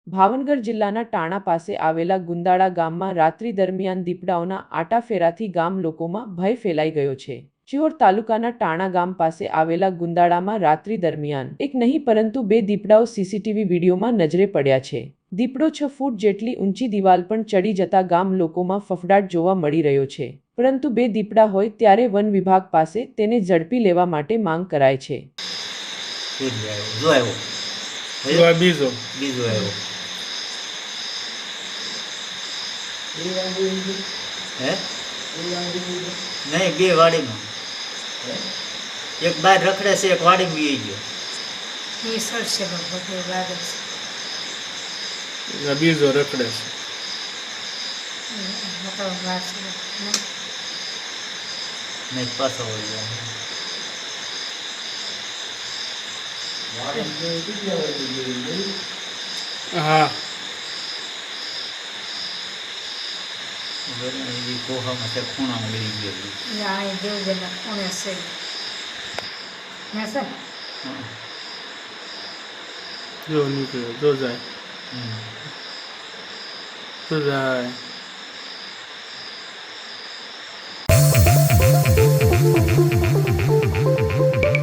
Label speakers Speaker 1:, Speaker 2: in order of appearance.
Speaker 1: ભાવનગર જિલ્લાના ટાણા પાસે આવેલા ગુંદાળા ગામમાં રાત્રિ દરમિયાન દીપડાઓના આટાફેરાથી ગામ લોકોમાં ભય ફેલાઈ ગયો છે। શિહોર તાલુકાના ટાણા ગામ પાસે આવેલા ગુંદાળામાં રાત્રિ દરમિયાન એક નહીં પરંતુ બે દીપડાઓ સીસીટીવી વિડીયોમાં નજરે પડ્યા છે। દીપડો 6 ફૂટ જેટલી ઊંચી દિવાલ પર ચડી જતા ગામ લોકોમાં ફફડાટ જોવા મળી રહ્યો છે, પરંતુ બે દીપડા હોય ત્યારે વન વિભાગ પાસે તેને ઝડપી લેવા માટે માંગ કરાઈ છે।
Speaker 2: नहीं बे वाड़ी में एक बार रखड़े से एक वाड़ी में गयो
Speaker 3: ये सर से बहुत बार
Speaker 4: बीजो रखड़े से
Speaker 3: मतलब बात
Speaker 2: नहीं पास हो गया
Speaker 4: हाँ
Speaker 2: ये कोहा में से खूना में ले गयो
Speaker 3: यहाँ दो जना कोने से मैं सर
Speaker 4: जो निकले जो जाए तो जाए